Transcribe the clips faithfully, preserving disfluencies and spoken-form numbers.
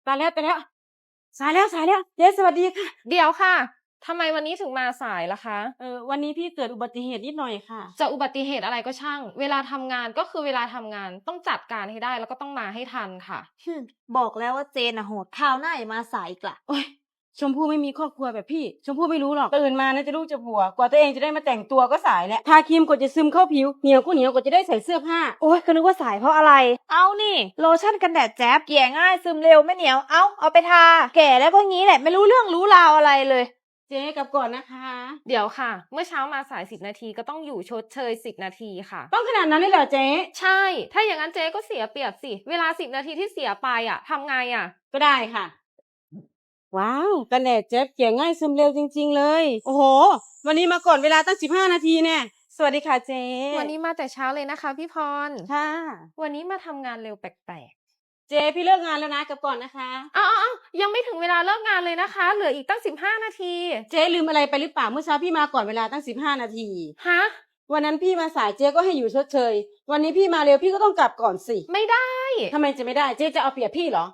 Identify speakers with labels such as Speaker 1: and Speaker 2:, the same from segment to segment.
Speaker 1: ตายแล้วตายแล้วสายแล้วสายแล้วเจ๊สวัสดีค่ะ
Speaker 2: เดี๋ยวค่ะทำไมวันนี้ถึงมาสายล่ะคะ
Speaker 1: เออวันนี้พี่เกิดอุบัติเหตุนิดหน่อยค่ะ
Speaker 2: จะอุบัติเหตุอะไรก็ช่างเวลาทำงานก็คือเวลาทำงานต้องจัดการให้ได้แล้วก็ต้องมาให้ทันค่ะ
Speaker 3: ฮึบอกแล้วว่าเจนอะโหดคราวหน้าอย่ามาสายอีกละ
Speaker 1: โอ๊ยชมพู่ไม่มีครอบครัวแบบพี่ชมพู่ไม่รู้หรอกตื่นมานะจะลูกจะผัวกว่าตัวเองจะได้มาแต่งตัวก็สายแล้วทาครีมกว่าจะซึมเข้าผิวเหนียวก็เหนียวกว่าจะได้ใส่เสื้อผ้าโอ๊ยก็นึกว่าสายเพราะอะไร
Speaker 3: เอานี่โลชั่นกันแดดแจ๊บเกลี่ยง่ายซึมเร็วไม่เหนียวเอาเอาไปทาแก่แล้วก็งี้แหละไม่รู้เรื่องรู้ราวอะไรเลย
Speaker 1: เจ๊กลับก่อนนะคะ
Speaker 2: เดี๋ยวค่ะ เมื่อเช้ามาสายสิบนาทีก็ต้องอยู่ชดเชยสิบนาทีค่ะ
Speaker 1: ต้องขนาดนั้นเลยเหรอเจ๊
Speaker 2: ใช่ ถ้าอย่างนั้นเจ๊ก็เสียเปรียบสิเวลาสิบนาทีที่เสียไปอ่ะทำไงอ่ะ
Speaker 1: ก็ได้ค่ะ ว้าวกันแดดเจ๊เกลี่ยง่ายซึมเร็วจริงๆเลย โอ้โห วันนี้มาก่อนเวลาตั้งสิบห้านาทีแน่สวัสดีค่ะเจ๊
Speaker 2: วันนี้มาแต่เช้าเลยนะคะพี่พร
Speaker 1: ค่ะ
Speaker 2: วันนี้มาทำงานเร็วแปลก
Speaker 1: เจ๊พี่เลิกงานแล้วนะกลับก่อนนะคะ
Speaker 2: ๆอ้าวยังไม่ถึงเวลาเลิกงานเลยนะคะ เหลืออีกตั้งสิบห้านาที
Speaker 1: เจ๊ลืมอะไรไปหรือเปล่าเมื่อเช้าพี่มาก่อนเวลาตั้งสิบห้านาที
Speaker 2: ฮะ
Speaker 1: วันนั้นพี่มาสายเจ๊ก็ให้อยู่ชดเชย วันนี้พี่มาเร็วพี่ก็ต้องกลับก่อนสิ
Speaker 2: ไม่ได้
Speaker 1: ทำไมจะไม่ได้เจ๊จะเอาเปรียบพี่เหรอ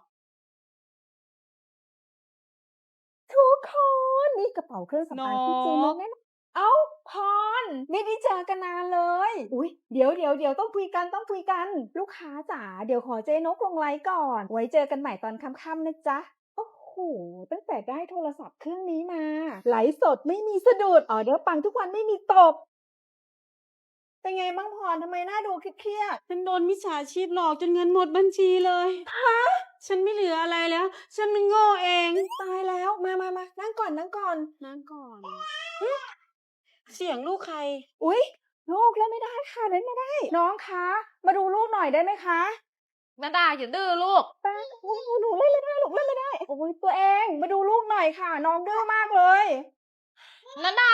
Speaker 3: ทุกคนนี่กระเป๋าเครื่องสำอางที่ซื้อมาแน่เอ้าพรไม่ได้เจอกันนานเลยอุ้ยเดี๋ยวเดี๋ยวเดี๋ยวต้องคุยกันต้องคุยกัน ลูกค้าจ๋าเดี๋ยวขอเจนกลงไลน์ก่อน ไว้เจอกันใหม่ตอนค่ำๆนะจ๊ะโอ้โหตั้งแต่ได้โทรศัพท์เครื่องนี้มาไลฟ์สดไม่มีสะดุดออเดอร์ปังทุกวันไม่มีตกเป็นไงบ้างพรทำไมหน้าดูเครียด
Speaker 1: ฉันโดนมิจฉาชีพหลอกจนเงินหมดบัญชีเลย ฮะ ฉันไม่เหลืออะไรแล้ว ฉันมันโง่เอง
Speaker 3: ตายแล้วมามามานั่งก่อนนั่งก่อน
Speaker 1: นั่งก่อน เสียงลูกใคร
Speaker 3: อุ๊ยลูกเล่นไม่ได้ค่ะเล่นไม่ได้ น้องคะ มาดูลูกหน่อยได้ไหมคะ
Speaker 2: นาดาอย่าดื้อลูก
Speaker 3: แป้งโอ้ยหนูเล่นไม่ได้ลูกเล่นไม่ได้โอ้ยตัวเองมาดูลูกหน่อยค่ะ น้องดื้อมากเลย
Speaker 2: นาดา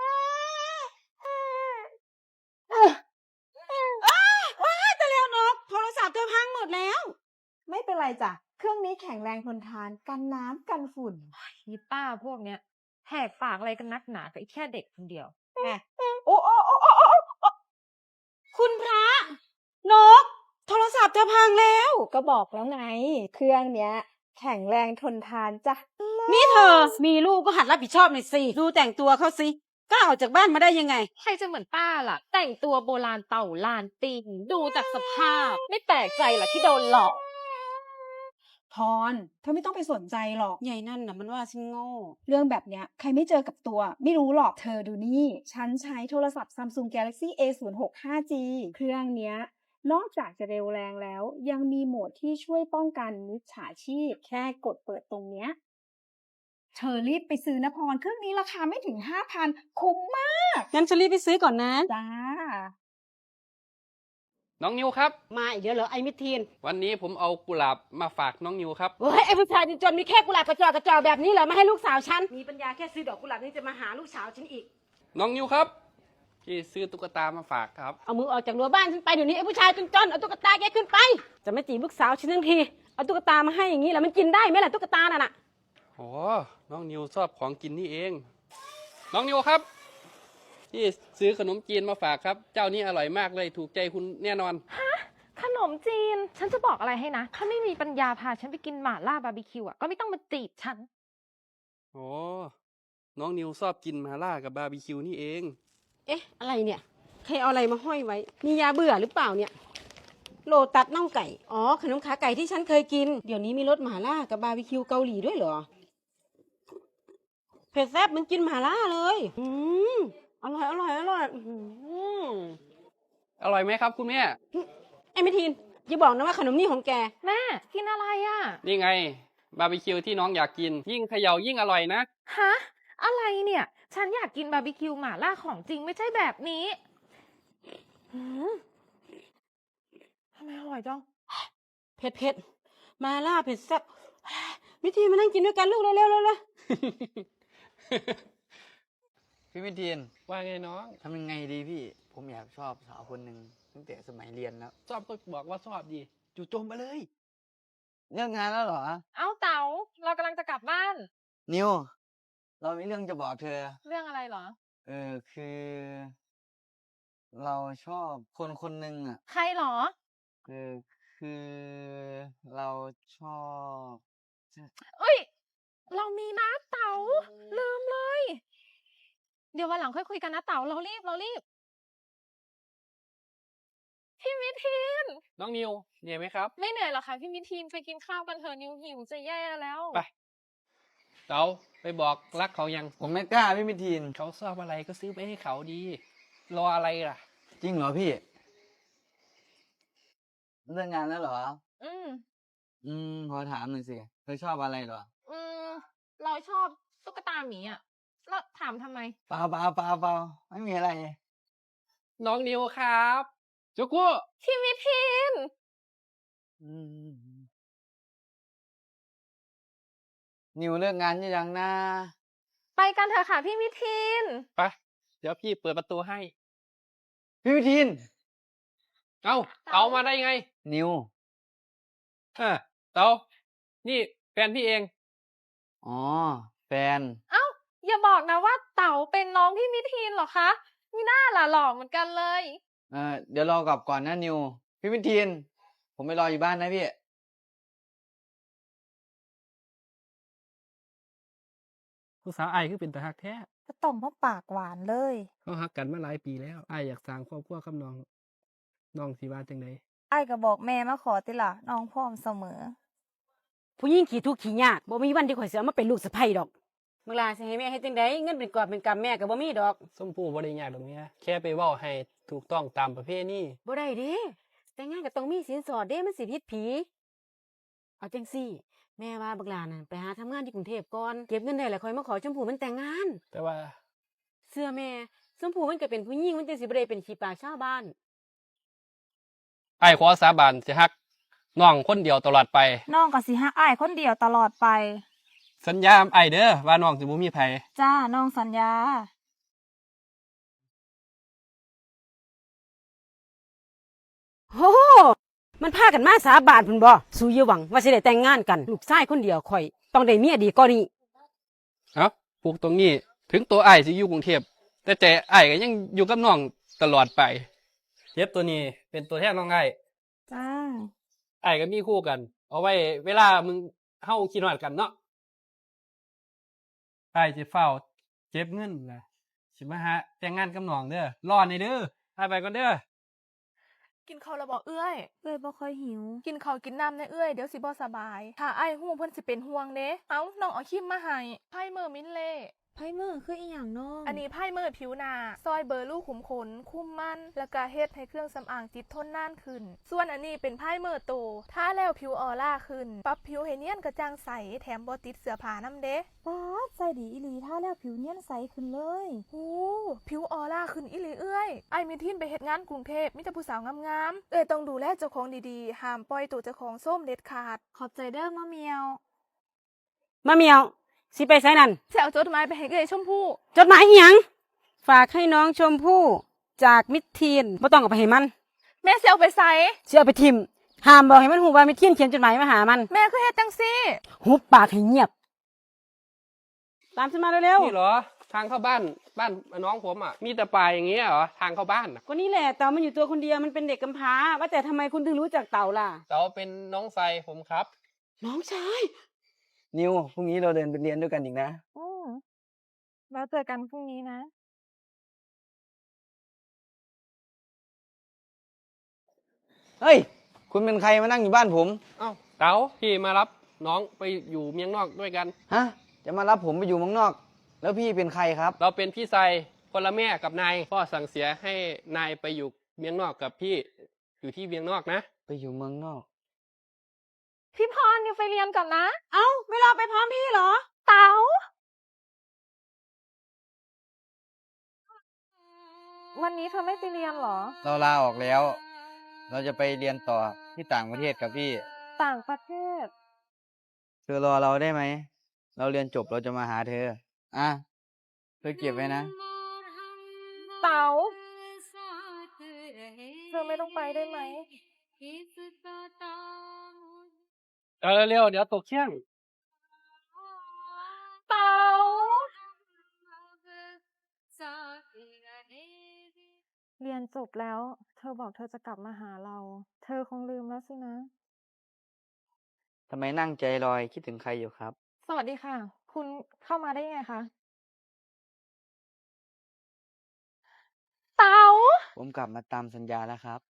Speaker 1: ว้ายแต่แล้วนกโทรศัพท์เธอพังหมดแล้ว
Speaker 3: ไม่เป็นไรจ้ะเครื่องนี้แข็งแรงทนทานกันน้ำกันฝุ่น
Speaker 2: ยีป้าพวกเนี้ยแหกปากอะไรกันนักหนากับไอ้แค่เด็กคนเดียว
Speaker 3: โอ้โอ้โอ้โอ้โอ้โอ้
Speaker 1: คุณพระ นก โทรศัพท์เธอพังแล้ว
Speaker 3: ก็บอกแล้วไง เครื่องเนี้ย แข็งแรงทนทานจ้ะ
Speaker 1: นี่เธอ มีลูกก็หัดรับผิดชอบหน่อยสิ ดูแต่งตัวเขาสิกล้าออกจากบ้านมาได้ยังไง
Speaker 2: ใครจะเหมือนป้าล่ะ แต่งตัวโบราณเต่าลานติงดูจากสภาพ ไม่แปลกใจล่ะที่โดนหลอก
Speaker 3: พรเธอไม่ต้องไปสนใจหรอก
Speaker 1: ใหญ่นั่นน่ะมันว่าฉันโง่
Speaker 3: เรื่องแบบเนี้ยใครไม่เจอกับตัว ไม่รู้หรอกเธอดูนี่ ฉันใช้โทรศัพท์ Samsung Galaxy เอ ศูนย์ หก ห้า จี เครื่องเนี้ย นอกจากจะเร็วแรงแล้ว ยังมีโหมดที่ช่วยป้องกันมิจฉาชีพ แค่กดเปิดตรงเนี้ย เธอรีบไปซื้อนะพร เครื่องนี้ราคาไม่ถึง ห้าพัน คุ้มมาก
Speaker 1: งั้นฉันรีบไปซื้อก่อนนะ
Speaker 3: จ้า
Speaker 4: น้องนิวครับ
Speaker 1: มาอีกเดี๋ยวเหรอไอ้มิทีน
Speaker 4: วันนี้ผมเอากุหลาบมาฝากน้องนิวครับ
Speaker 1: เฮ้ยไอ้ผู้ชายจนๆมีแค่กุหลาบกระจอกกระจอกแบบนี้เหรอมาให้ลูกสาวฉัน มีปัญญาแค่ซื้อดอกกุหลาบนี่จะมาหาลูกสาวฉันอีก
Speaker 4: น้องนิวครับพี่ซื้อตุ๊กตามาฝากครับ
Speaker 1: เอามือออกจากรั้วบ้านฉันไปเดี๋ยวนี้ไอ้ผู้ชายจนๆเอาตุ๊กตาแกขึ้นไป จะไม่จีบลูกสาวฉันทั้งที เอาตุ๊กตามาให้อย่างนี้แล้วมันกินได้ไหมล่ะตุ๊กตาน่ะน่ะ
Speaker 4: โอ้น้องนิวชอบของกินนี่เอง น้องนิวครับพี่ซื้อขนมจีนมาฝากครับ เจ้านี้อร่อยมากเลยถูกใจคุณแน่นอน
Speaker 2: ขนมจีน ฉันจะบอกอะไรให้นะ ถ้าไม่มีปัญญาพาฉันไปกินหม่าล่าบาร์บีคิวอ่ะก็ไม่ต้องมาจีบฉัน
Speaker 4: โอ้น้องนิวชอบกินมาล่ากับบาร์บีคิวนี่เอง
Speaker 1: เอ๊ะอะไรเนี่ยใครเอาอะไรมาห้อยไว้ มียาเบื่อหรือเปล่าเนี่ย โลตัดน่องไก่ อ๋อขนมขาไก่ที่ฉันเคยกิน เดี๋ยวนี้มีรสหม่าล่ากับบาร์บีคิวเกาหลีด้วยเหรอ เผ็ดแซ่บเหมันกินหม่าล่าเลย อืมอร่อยอร่อยอร่อยอื้อหือ
Speaker 4: อร่อยไหมครับคุณแม่
Speaker 1: ไอ้มิทีนอย่าบอกนะว่าขนมนี่ของแก
Speaker 2: แม่กินอะไรอ่ะ
Speaker 4: นี่ไงบาร์บีคิวที่น้องอยากกิน ยิ่งเขย่ายิ่งอร่อยนะ
Speaker 2: ฮะ อะไรเนี่ย ฉันอยากกินบาร์บีคิวหม่าล่าของจริงไม่ใช่แบบนี้หืมทำไมอร่อยจัง
Speaker 1: เผ็ดเผ็ดมาล่าเผ็ดแซ่บมิทีนมานั่งกินด้วยกันลูกเร็วเร็วเร็วเร็ว
Speaker 5: พี่วิทีน
Speaker 4: ว่าไงน้อง
Speaker 5: ทำยังไงดีพี่ ผมอยากชอบสาวคนหนึ่งตั้งแต่สมัยเรียนแล้ว
Speaker 4: ชอบก็บอกว่าชอบดีจู่โจมไปเลย
Speaker 5: เลิกงานแล้วเหรอ
Speaker 2: เอ้าเต๋าเรากำลังจะกลับบ้าน
Speaker 5: นิว เรามีเรื่องจะบอกเธอ
Speaker 2: เรื่องอะไรเหรอ
Speaker 5: เออคือ เราชอบคนคนหนึ่งอ่ะ
Speaker 2: ใครเหรอ
Speaker 5: คือคือเราชอบ
Speaker 2: เอ้ย เรามีนะเต๋าลืมเลย เดี๋ยววันหลังค่อยคุยกันนะเต๋าเรารีบเรารีบ พี่มิทีน
Speaker 4: น้องนิวเหนื่อยไหมครับ
Speaker 2: ไม่เหนื่อยหรอกค่ะพี่มิทีนไปกินข้าวกันเถอะนิวหิวจะแย่แล้ว
Speaker 4: ไป เต๋าไปบอกรักเขายัง
Speaker 5: ผมไม่กล้าพี่มิทีน
Speaker 4: เขาชอบอะไรก็ซื้อไปให้เขาดี รออะไรล่ะ
Speaker 5: จริงเหรอพี่ เรื่องงานแล้วเหรอ
Speaker 2: อืม
Speaker 5: อืมขอถามหน่อยสิเธอชอบอะไรเหรอ
Speaker 2: อืม เราชอบตุ๊กตาหมีอ่ะ แล้วถามทำไม
Speaker 5: เปล่าเปล่าเปล่าเปล่าไม่มีอะไร
Speaker 4: น้องนิวครับจุกุ
Speaker 2: พี่มิทีน
Speaker 5: อืมนิวเลิกงานยังนะ
Speaker 2: ไปกันเถอะค่ะพี่มิทีน
Speaker 4: ไป เดี๋ยวพี่เปิดประตูให้
Speaker 5: พี่มิทีน
Speaker 4: เอ้า
Speaker 2: เต๋า
Speaker 4: เต๋ามาได้ไง
Speaker 5: นิว
Speaker 4: อ่าเต๋านี่แฟนพี่เอง
Speaker 5: อ๋อ แฟน
Speaker 2: เอ้า อย่าบอกนะว่าเต๋าเป็นน้องพี่มิทีนเหรอคะมีหน้าล่ะหล่อเหมือนกันเลย
Speaker 5: เออเดี๋ยวรอกลับก่อนนะนิว พี่มิทีน ผมไปรออยู่บ้านนะพี่
Speaker 4: ผู้สาวไอ้ายคือเป็นตาฮักแท้
Speaker 3: ก็ต้องมาปากหวานเลย
Speaker 4: เขาฮักกันมาหลายปีแล้วไอ้ายอยากสร้างครอบครัวกับน้อง น้องสิว่าจังได
Speaker 3: ไอ้ายก็บอกแม่มาขอติล่ะน้องพร้อมเสมอ
Speaker 1: ผู้หญิงขี้ทุกข์ขี้ยากบ่มีวันที่ข่อยสิเอามาเป็นลูกสะใภ้ดอกเมื่อลาสิให้แม่เฮ็ดจังไดเงินเป็นกอบเป็นกำแม่ก็บ่มีดอก
Speaker 4: ส้มผู้บ่ได้ยากดอกเมียแค่ไปเว้าให้ถูกต้องตามประเพณี
Speaker 1: บ่ได้เด้แต่งงานก็ต้องมีสินสอดเด้มันสิผิดผี เอาจังซี่ แม่ว่าบักหลาน่ะไปหาทำงานที่กรุงเทพก่อนเก็บเงินได้แล้วค่อยมาขอชมพู่มันแต่งงาน
Speaker 4: แต่ว่า
Speaker 1: เสื้อแม่ชมพู่มันก็เป็นผู้หญิงมันจังสิบ่ได้เป็นขี้ปากชาวบ้าน
Speaker 4: ไอ้ายขอสาบานสิฮักน้องคนเดียวตลอดไป
Speaker 3: น้องก็สิฮักอ้ายคนเดียวตลอดไป
Speaker 4: สัญญาไอ้ายเด้อว่าน้องสิบ่มีไผ
Speaker 3: จ้าน้องสัญญา
Speaker 1: โอ้โหมันพากันมาสาบานพุ่นบ่สู้อย่าหวังว่าสิได้แต่งงานกัน ลูกชายคนเดียวข่อย ต้องได้เมียดีกว่านี้
Speaker 4: เอ้าพวกตรงนี้ ถึงตัวไอ้ายสิอยู่กรุงเทพแต่ใจไอ้ายก็ยังอยู่กับน้องตลอดไปเจ็บตัวนี้เป็นตัวแทนน้องไอ้าย
Speaker 3: จ้า
Speaker 4: ไอ้ายก็มีคู่กัน เอาไว้เวลามึงเฮาคิดฮอดกันเนาะไอ้ายสิเฝ้าเก็บเงินล่ะสิมาหาแต่งงานกับน้องเด้อรอในอยเด้อไอ้ายไปก่อนเด้อ
Speaker 2: กินข้าวแล้วบอกเอื้อย
Speaker 3: เอ้ยบ่ค่อยหิว
Speaker 2: กินข้าวกินน้ำในเอื้อยเดี๋ยวสิบ่สบาย ถ้าไอ้ายฮู้เพิ่นสิเป็นห่วงเด้เอ้าน้องเอาครีมมาให้ไพ่เมอร์มินเล่
Speaker 3: ไพ่มือคืออีหยังน้อง
Speaker 2: อันนี้ไพ่เมอร์ผิวหนาซอยเบอร์ลูกขุมขน คุ้มมัน แล้วก็เฮ็ดให้เครื่องสำอางติดทนนานขึ้น ส่วนอันนี้เป็นไพ่เมอร์โตทาแล้วผิวออร่าขึ้น ปรับผิวให้เนียนกระจ่างใส แถมบ่ติดเสื้อผ้านำเด้
Speaker 3: ป๊าดใจดีอีหลีท่าแล้วผิวเนียนใสขึ้นเลย
Speaker 2: หูผิวออร่าขึ้นอีหลีเอื้อยไอ้ายมีทินไปเฮ็ดงานกรุงเทพมีแต่ผู้สาวงามๆเอ้ยต้องดูแลเจ้าของดีๆห้ามปล่อยตัวเจ้าของส้มเด็ดขาด
Speaker 3: ขอบใจเด้อมะเมียว
Speaker 1: มาเมียว สิไปไสนั่น
Speaker 2: สิเอาจดหมายไปให้เอ้ยชมพู่
Speaker 1: จดหมายอีหยัง ฝากให้น้องชมพู่จากมิตรทีนบ่ต้องเอาไปให้มัน
Speaker 2: แม่สิเอาไปใส่
Speaker 1: สิเอาไปทิมห้ามบอกให้มันฮู้ว่ามิตรทีนเขียนจดหมายมาหามัน
Speaker 2: แม่คือเฮ็ดจังซี่
Speaker 1: หุบปากให้เงียบ ตามฉันมาเร็ว
Speaker 4: นี่เหรอ ทางเข้าบ้านบ้านน้องผมอ่ะ มีแต่ป่ายอย่างเงี้ยเหรอ ทางเข้าบ้านอ่ะ
Speaker 1: ๆก็นี่แหละเต่ามันอยู่ตัวคนเดียวมันเป็นเด็กกำพร้า ว่าแต่ทำไมคุณถึงรู้จักเต่าล่ะ
Speaker 4: เต๋าเป็นน้องไฟผมครับ
Speaker 1: น้องชาย
Speaker 5: นิว พรุ่งนี้เราเดินไปเรียนด้วยกันอีกนะ
Speaker 3: อืมแล้วเจอกันพรุ่งนี้นะ
Speaker 5: เฮ้ย คุณเป็นใครมานั่งอยู่บ้านผม
Speaker 4: เอ้าเต๋าพี่มารับน้องไปอยู่เมียงนอกด้วยกัน
Speaker 5: ฮะ จะมารับผมไปอยู่เมืองนอก แล้วพี่เป็นใครครับ
Speaker 4: เราเป็นพี่ไซคนละแม่กับนายพ่อสั่งเสียให้นายไปอยู่เมียงนอกกับพี่อยู่ที่เมียงนอกนะ
Speaker 5: ไปอยู่เมืองนอก
Speaker 2: พี่พรอยู่ไปเรียนก่อนนะ
Speaker 1: เอ้าไม่รอไปพร้อมพี่เหรอ
Speaker 2: เต๋า วันนี้เธอไม่ไปเรียนเหรอ
Speaker 5: เราลาออกแล้ว เราจะไปเรียนต่อที่ต่างประเทศกับพี่
Speaker 2: ต่างประเทศ
Speaker 5: เธอรอเราได้ไหม เราเรียนจบเราจะมาหาเธอ อ่ะ เธอเก็บไว้นะ
Speaker 2: เต๋า เธอไม่ต้องไปได้ไหม
Speaker 4: เออเร็วๆเดี๋ยวตกเที่ยง
Speaker 2: เต๋า
Speaker 3: เรียนจบแล้ว เธอบอกเธอจะกลับมาหาเรา เธอคงลืมแล้วสินะ
Speaker 5: ทำไมนั่งใจลอยคิดถึงใครอยู่ครับ
Speaker 2: สวัสดีค่ะ คุณเข้ามาได้ยังไงคะ เต๋า
Speaker 5: ผมกลับมาตามสัญญาแล้วครับ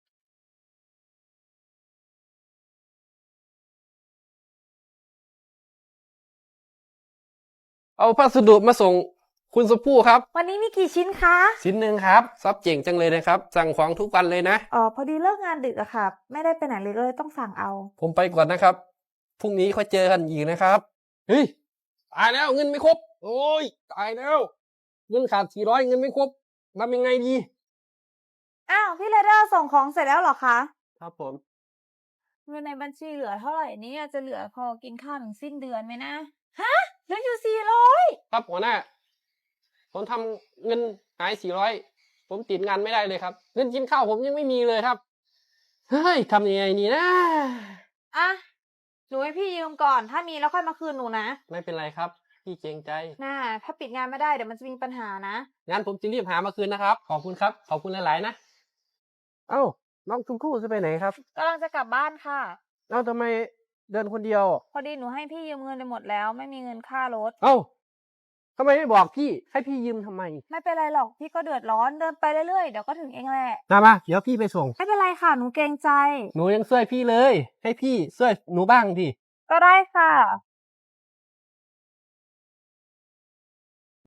Speaker 4: เอาพัสดุมาส่งคุณชมพู่ครับ
Speaker 6: วันนี้มีกี่ชิ้นคะ
Speaker 4: ชิ้นหนึ่งครับซับเจ๋งจังเลยนะครับ สั่งของทุกวันเลยนะ
Speaker 6: อ๋อพอดีเลิกงานดึกอะค่ะ ไม่ได้ไปไหนเลยก็เลยต้องสั่งเอา
Speaker 4: ผมไปก่อนนะครับ พรุ่งนี้ค่อยเจอกันอีกนะครับ เฮ้ย ตายแล้วเงินไม่ครบ โอ้ย ตายแล้ว เงินขาดสี่ร้อยเงินไม่ครบทำยังไงดี
Speaker 6: อ้าวพี่เรเดอร์ส่งของเสร็จแล้วเหรอคะ
Speaker 4: ครับผม
Speaker 6: เงินในบัญชีเหลือเท่าไหร่เนี่ยจะเหลือพอกินข้าวถึงสิ้นเดือนไหมนะ ฮะเหลืออยู่สี่ร้อย
Speaker 4: ครับหัวหน้า ผมทำเงินหายสี่ร้อยผมติดงานไม่ได้เลยครับ เงินกินข้าวผมยังไม่มีเลยครับ เฮ้ยทำยังไงนี่นะ
Speaker 6: อ่ะหนูให้พี่ยืมก่อน ถ้ามีแล้วค่อยมาคืนหนูนะ
Speaker 4: ไม่เป็นไรครับ พี่เกรงใจ
Speaker 6: น่าถ้าปิดงานไม่ได้เดี๋ยวมันจะมีปัญหานะ
Speaker 4: งั้นผมจะรีบหามาคืนนะครับ ขอบคุณครับ ขอบคุณหลายๆนะ เอ้า น้องชมพู่จะไปไหนครับ
Speaker 6: กำลังจะกลับบ้านค่ะ
Speaker 4: เอ้าทำไมเดินคนเดียว
Speaker 6: พอดีหนูให้พี่ยืมเงินไปหมดแล้ว ไม่มีเงินค่ารถ
Speaker 4: เอ้าทำไมไม่บอกพี่ ให้พี่ยืมทำไม
Speaker 6: ไม่เป็นไรหรอกพี่ก็เดือดร้อนเดินไปเรื่อยๆเดี๋ยวก็ถึงเองแหละ
Speaker 4: มามาเดี๋ยวพี่ไปส่ง
Speaker 6: ไม่เป็นไรค่ะหนูเกรงใจ
Speaker 4: หนูยังช่วยพี่เลย ให้พี่ช่วยหนูบ้างดิ
Speaker 6: ก็ได้ค่ะ